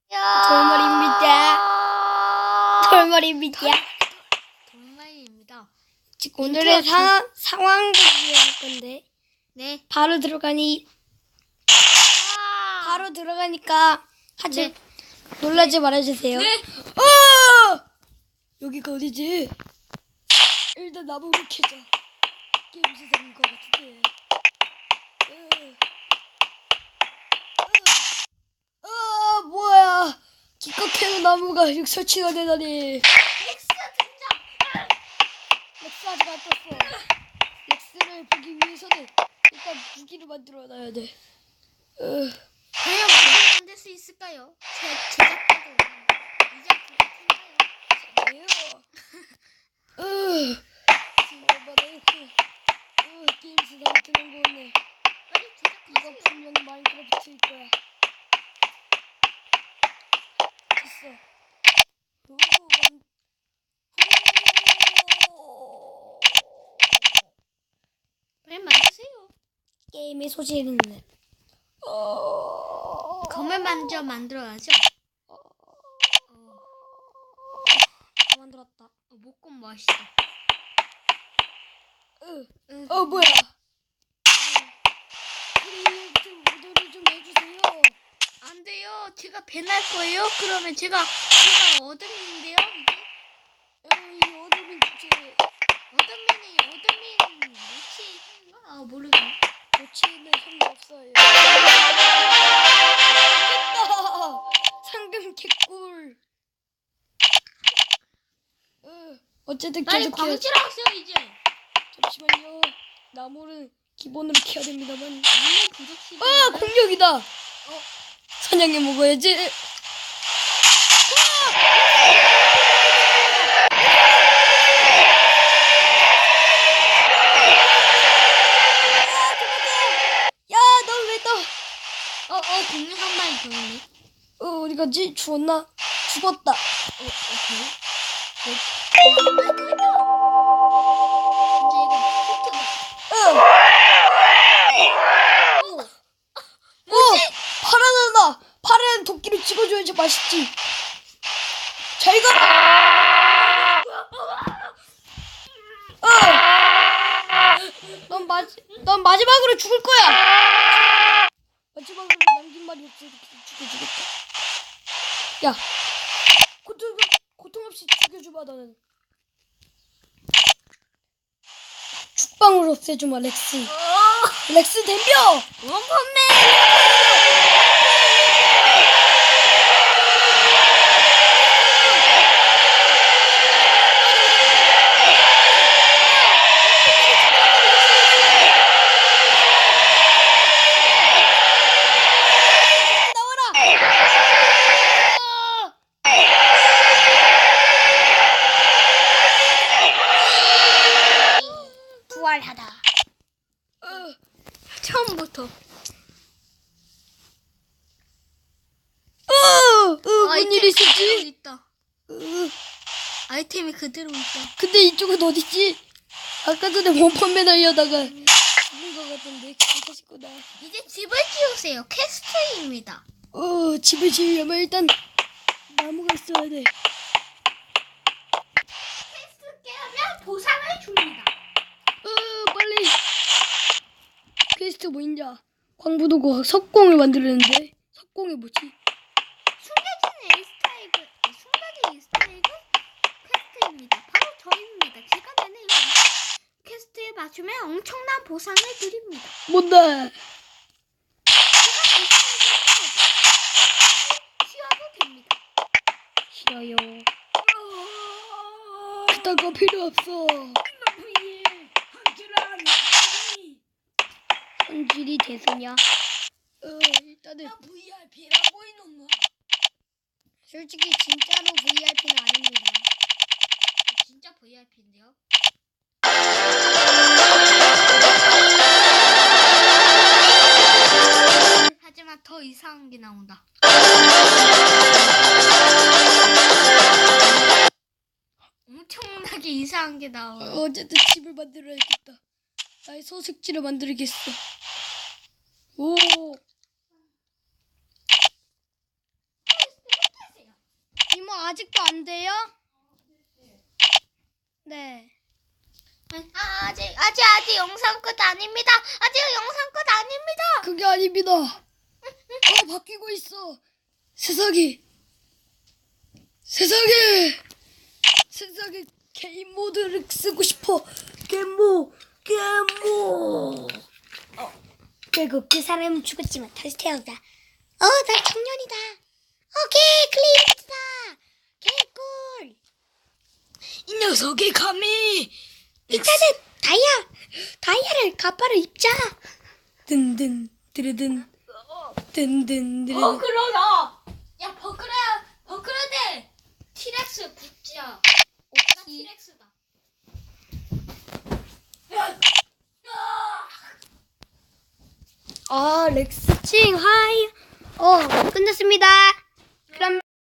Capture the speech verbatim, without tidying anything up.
돌머리입니다. 돌머리입니다. 돌말입니다. 지금 오늘의 사, 상황극을 할 건데 네. 바로 들어가니 바로 들어가니까 하지 네. 놀라지 말아주세요. 네. 어! 여기가 어디지? 일단 나무를 캐자. 게임 세상인 것 같은데. 어, 어, 뭐야? 기껏 캐는 나무가 이렇게 설치가 되다니. 렉스 등장. 렉스 아직 안 떴어. 렉스를 보기 위해서는 일단 무기를 만들어놔야 돼. 어, 과연 무슨 만들 수 있을까요? 제 제작자도 이제 그거 텐가요? 왜요? 어, 정말 이렇게 어, 게임 세상에 드는 거 없네. 빨리 이거 제작하세요. 분명히 마인크래프트일 거야. 됐어. 오, 만... 오. 빨리 만드세요. 게임의 소질은 어... 검을 먼저 만들어야죠. 어... 어, 다 만들었다. 어, 목검 멋있어. 으. 응. 어 뭐야? 우리 좀 무도를 좀 해주세요. 안 돼요. 제가 배날 거예요. 그러면 제가 제가 어둠인데요. 이게 어, 이 어둠이 주제 어둠이니 어둠인 뭐지? 아 모르겠네. 고치는 상관없어요. 됐다. 상금 개꿀. 으. 어쨌든 빨리 계속 캐. 광질하세요 이제. 잠시만요. 나무를 기본으로 캐야 됩니다만. 물론 부족시다. 아 공룡이다. 어 사냥해 먹어야지. 야 너 왜 떠? 어, 어, 공룡 한 마리 더 있네. 어 어디 갔지? 죽었나? 죽었다. 어, 오케이. 어, 어, 마이크다. 이제 이거 포트다. 응. 오 파란 하나. 파란 도끼를 찍어줘야지 맛있지. 잘 가. 어. 넌 마지 넌 마지막으로 죽을 거야. 마지막으로 남긴 말이 없어. 이렇게 죽여주겠다. 야, 고통 고통 없이 죽여주마 너는. 죽방으로 없애주마 렉스. 렉스 덤벼. 원펀맨! 부활하다. 어, 처음부터. 어, 어, 뭔 아이템이 일이 그대로 있었지? 있다. 어, 아이템이 그대로 있다. 근데 이쪽은 어디지? 아까 전에 원펀맨 하려다가 죽은 것 같던데 괜찮으시구나. 이제 집을 지으세요. 퀘스트입니다. 어, 집을 지으려면 일단 나무가 있어야 돼. 퀘스트 깨면 보상을 줍니다. 어, 빨리. 퀘스트 뭐있냐? 광부도구 석공을 만들었는데 석공이 뭐지? 숨겨진 에이스타에그, 숨겨진 에이스타에그 퀘스트입니다. 바로 저입니다. 제가 내는 이 퀘스트에 맞추면 엄청난 보상을 드립니다. 뭔데? 제가 보상을 드리는 거죠. 쉬어도 됩니다. 싫어요. 그딴 거 필요 없어. 성질이 대수냐? 어, 일단은 브이아이피라고 이놈아. 솔직히 진짜로 브이아이피는 아닙니다. 진짜 브이아이피인데요. 하지만 더 이상한 게 나온다. 엄청나게 이상한 게 나와. 어, 어쨌든 집을 만들어야겠다. 나의 소식지를 만들겠어. 오. 뭐 아직도 안 돼요? 네. 아, 아직 아직 아직 영상 끝 아닙니다. 아직 영상 끝 아닙니다. 그게 아닙니다. 어, 바뀌고 있어. 세상이. 세상에. 세상에 게임 모드를 쓰고 싶어. 게임모. 게임모. 어. 결국 그 사람은 죽었지만 다시 태어났다. 어, 나 청년이다. 오케이, 클리어다. 개꿀. 이 녀석이 감히. 일단은 다이아, 다이아를 가파를 입자. 든든, 드르든, 든든, 드르든. 버크러다. 야, 버크라, 버크라데. 티렉스 붙자. 오빠 티렉스다. 아, 렉스칭 하이. 어, 끝났습니다.